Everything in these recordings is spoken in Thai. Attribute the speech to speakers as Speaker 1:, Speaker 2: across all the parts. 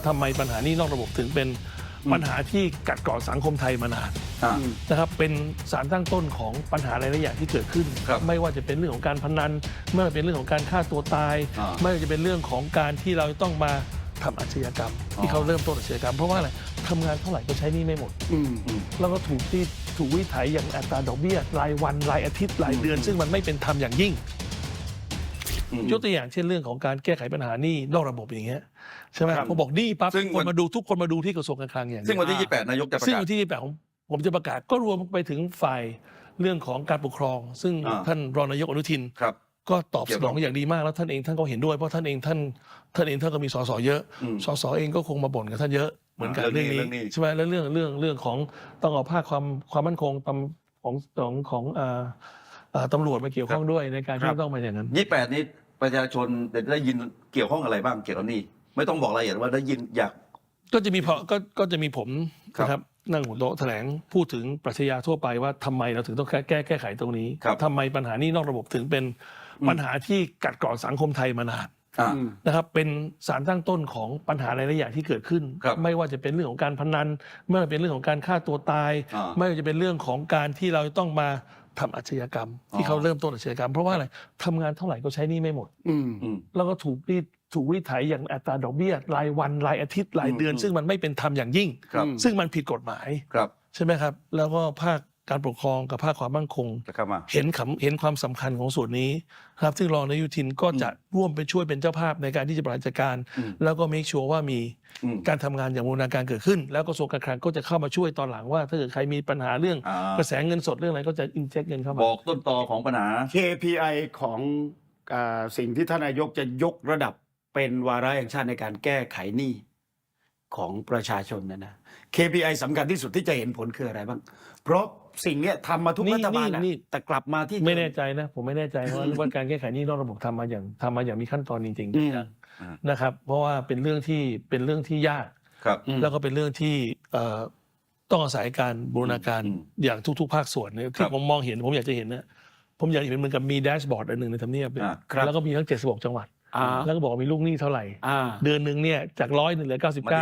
Speaker 1: ทำไมปัญหานี้นอกระบบถึงเป็นปัญหาที่กัดกร่อนสังคมไทยมานานนะครับเป็นสารตั้งต้นของปัญหาหลายๆอย่างที่เกิดขึ้นไม่ว่าจะเป็นเรื่องของการพนันไม่ว่าจะเป็นเรื่องของการฆ่าตัวตายไม่ว่าจะเป็นเรื่องของการที่เราต้องมาทำอาชญากรรมที่เขาเริ่มต้นอาชญากรรมเพราะว่าอะไรทำงานเท่าไหร่ก็ใช้หนี้ไม่หมดแล้วก็ถูกวิถีอย่างอัตราดอกเบี้ยรายวันรายอาทิตย์รายเดือนซึ่งมันไม่เป็นธรรมอย่างยิ่งยกตัวอย่างเช่นเรื่องของการแก้ไขปัญหาหนี้นอกระบบอย่างเงี้ยใช่ไหมผมบอกหนี้ปั๊บทุกคนมาดูที่กระทรวงการคลังอย่าง
Speaker 2: ซึ่งวันที่28นายกจะประกาศ
Speaker 1: ซึ่งวันที่28ผมจะประกาศก็รวมไปถึงฝ่ายเรื่องของการปกครองซึ่งท่านรองนายกอนุทินก็ตอบสนองอย่างดีมากแล้วท่านก็เห็นด้วยเพราะท่านก็มีสสเยอะสสเองก็คงมาบ่นกับท่านเยอะเหมือนกันเรื่องนี้ใช่ไหมแล้วเรื่องของต้องเอาภาคความมั่นคงของตำรวจมาเกี่ยวข้องด้วยในการที่ต้องมาอย่างนั้น
Speaker 2: 28นี้ประชาชนได้ยินเกี่ยวข้องอะไรบ้างเกี่ยวกับนี้ไม่ต้องบอกรายละเอียดว่าได้ยินอยาก
Speaker 1: ก็จะมีผมนะครับนั่งหัวโต๊ะแถลงพูดถึงปรัชญาทั่วไปว่าทำไมเราถึงต้องแก้ไขตรงนี้ทำไมปัญหานี้นอกระบบถึงเป็นปัญหาที่กัดกร่อนสังคมไทยมานานนะครับเป็นสารตั้งต้นของปัญหาหลายๆอย่างที่เกิดขึ้นไม่ว่าจะเป็นเรื่องของการพนันไม่ว่าจะเป็นเรื่องของการฆ่าตัวตายไม่ว่าจะเป็นเรื่องของการที่เราต้องมาทำอาชญากรรมที่เขาเริ่มต้นอาชญากรรมเพราะว่าอะไรทำงานเท่าไหร่ก็ใช้หนี้ไม่หมดแล้วก็ถูกวิถีอย่างอัตราดอกเบี้ยรายวันรายอาทิตย์รายเดือนซึ่งมันไม่เป็นธรรมอย่างยิ่งซึ่งมันผิดกฎหมายใช่ไหมครับแล้วก็ภาคการปกครองกับภาคความมั่นคงเห็นความสำคัญของส่วนนี้ครับซึ่งรองนายกอนุทินก็จะร่วมเป็นช่วยเป็นเจ้าภาพในการที่จะบริหารจัดการแล้วก็เมคชัวร์ว่ามีการทำงานอย่างบูรณาการเกิดขึ้นแล้วกระทรวงการคลังก็จะเข้ามาช่วยตอนหลังว่าถ้าเกิดใครมีปัญหาเรื่องกระแสเงินสดเรื่องอะไรก็จะอินเจคเงินเข้ามา
Speaker 2: บอกต้นตอของปัญหา
Speaker 3: KPI ของสิ่งที่ท่านนายกจะยกระดับเป็นวาระแห่งชาติในการแก้ไขหนี้ของประชาชนนะ KPI สำคัญที่สุดที่จะเห็นผลคืออะไรบ้างเพราะสิ่งนี้ทำมาทุกรัฐบาลนะแต่กลับมาที่
Speaker 1: ไม่แน่ใจนะผมไม่แน่ใจว่าการแก้ไขหนี้นอกระบบทำมาอย่างมีขั้นตอนจริงๆนะครับเพราะว่าเป็นเรื่องที่ยากแล้วก็เป็นเรื่องที่ต้องอาศัยการบูรณาการอย่างทุกๆภาคส่วนที่ผมมองเห็นผมอยากจะเห็นนะผมอยากเห็นเหมือนกับมีแดชบอร์ดอันหนึ่งในทำเนียบแล้วก็มีทั้ง76จังหวัดแล้วก็บอกมีลูกหนี้เท่าไหร่เดือนหนึ่งเนี่ยจาก100เหลือ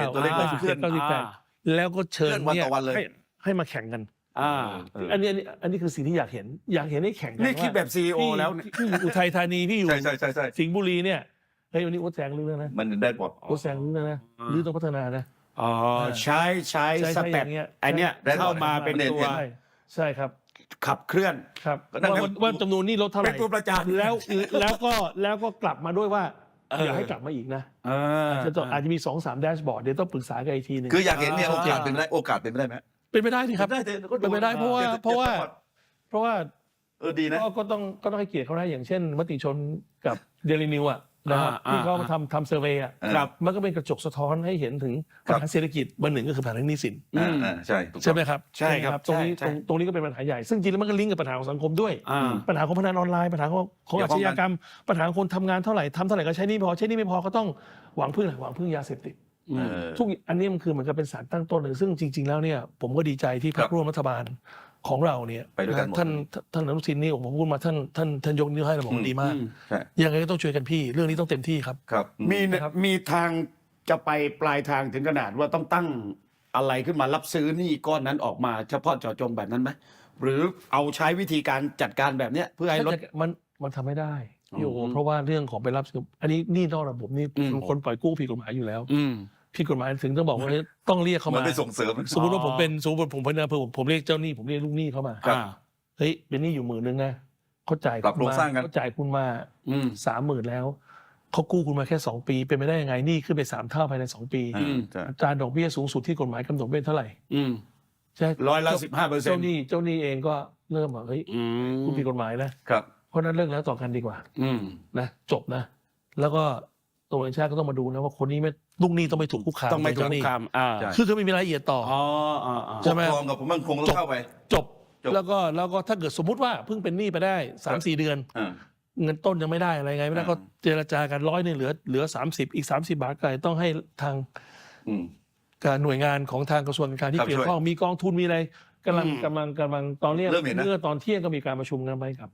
Speaker 1: 9998แล้วก็เชิญเนี่ยให้มาแข่งกันอันนี้คือสิ่งที่อยากเห็นให้แข่งกัน
Speaker 3: นี่คิดแบบ CEO แล้ว
Speaker 1: พี่อยู่อุทัยธานีพี่อยู่สิงห์บุรีเนี่ยเฮ้ยวันนี้โอ๊ตแซงรู้แล้วนะ
Speaker 2: มันได้หมด
Speaker 1: โอ๊ตแซงรู้แล้วนะหรือต้องพัฒนานะ
Speaker 3: ใช้สเต็ปอันเนี้ยเข้ามาเป็นตัว
Speaker 1: ใช่ครับ
Speaker 3: ขับเคลื่อน
Speaker 1: ครับว่าจำนวนนี้ลดเท่าไหร่
Speaker 3: เป็นตัวประจาน
Speaker 1: แล้วก็กลับมาด้วยว่าอย่าให้กลับมาอีกนะอาจจะมี 2-3 แดชบอร์ดเดี๋ยวต้องปรึกษากันอีกทีนึง
Speaker 2: คืออยากเห็นเนี่ยโอกาสเป็นไปได้ไหม
Speaker 1: เป็นไปได้ที่ครับเป็นไปได้เพราะว่า
Speaker 2: ดีนะ
Speaker 1: ก็ต้องให้เกียรติเขาได้อย่างเช่นมติชนกับเดลินิวนะครับที่เขาทำเซอร์เวย์มันก็เป็นกระจกสะท้อนให้เห็นถึงปัญหาเศรษฐกิจเบอร์หนึ่งก็คือปัญหาหนี้สินใช่ไหมครับ
Speaker 3: ใช่ครับ
Speaker 1: ตรงนี้ก็เป็นปัญหาใหญ่ซึ่งจริงแล้วมันก็ลิงก์กับปัญหาของสังคมด้วยปัญหาของพนันออนไลน์ปัญหาของอาชญากรรมปัญหาคนทำงานเท่าไหร่ทำเท่าไหร่ก็ใช้หนี้ไม่พอก็ต้องหวังพึ่งยาเสพติดทุกอันนี้มันคือเหมือนกับเป็นสารตั้งต้นเลยซึ่งจริงๆแล้วเนี่ยผมก็ดีใจที่พรรคร่วมรัฐบาลของเราเนี่ยท่านอนุทินนี่ผมพูดมาท่านยกนิ้วให้เราบอกดีมากยังไงก็ต้องช่วยกันพี่เรื่องนี้ต้องเต็มที่ครับ
Speaker 3: มีทางจะไปปลายทางถึงขนาดว่าต้องตั้งอะไรขึ้นมารับซื้อหนี้ก้อนนั้นออกมาเฉพาะเจาะจงแบบนั้นไหมหรือเอาใช้วิธีการจัดการแบบเนี้ยเพื่อให้ลด
Speaker 1: มันทำไม่ได้พี่โอเพราะว่าเรื่องของไปรับซื้ออันนี้หนี้นอกระบบนี่คนปล่อยกู้ผิดกฎหมายอยู่แล้วผิดกฎหมายถึงต้องบอกว่าต้องเรียกเขามา
Speaker 2: ไปส่งเสริม
Speaker 1: สมมติว่าผมเป็นผมเรียกเจ้าหนี้ผมเรียกลูกหนี้เข้ามาเฮ้ยเป็นหนี้อยู่10,000นะเขาจ่ายคุณมา30,000แล้วเขากู้คุณมาแค่2 ปีเป็นไปได้ยังไงหนี้ขึ้นไป3 เท่าภายใน2 ปีอัตราดอกเบี้ยสูงสุดที่กฎหมายกำหนดเป็นเท่าไหร่
Speaker 3: ใช่15%
Speaker 1: เจ้าหนี้เองก็เริ่มบอกเฮ้ยคุณผิดกฎหมายนะครับเพราะนั้นเลิกแล้วต่อกันดีกว่านะจบนะแล้วก็ตัวเองชาติก็ต้องมาดูนะว่าคนนี้ไม่ลูกหนี้ต้องไม่ถูกคุกคาม
Speaker 3: ต้องไม่ถูกคุกคาม
Speaker 1: คือไม่มีรายละเอียดต่อ
Speaker 2: ใช่ไหมปกครองกับผมมั่นคงต้องเข้าไป
Speaker 1: จบแล้วก็ถ้าเกิดสมมุติว่าเพิ่งเป็นหนี้ไปได้ 3-4 เดือนเงินต้นยังไม่ได้อะไรไงไม่ได้ก็เจรจากัน100นึงเหลือ30อีก30 บาทก็ต้องให้ทางการหน่วยงานของทางกระทรวงการที่เกี่ยวข้องมีกองทุนมีอะไรกำลังตอนนี้เมื่อตอนเที่ยงก็มีการประชุมกันไปครับ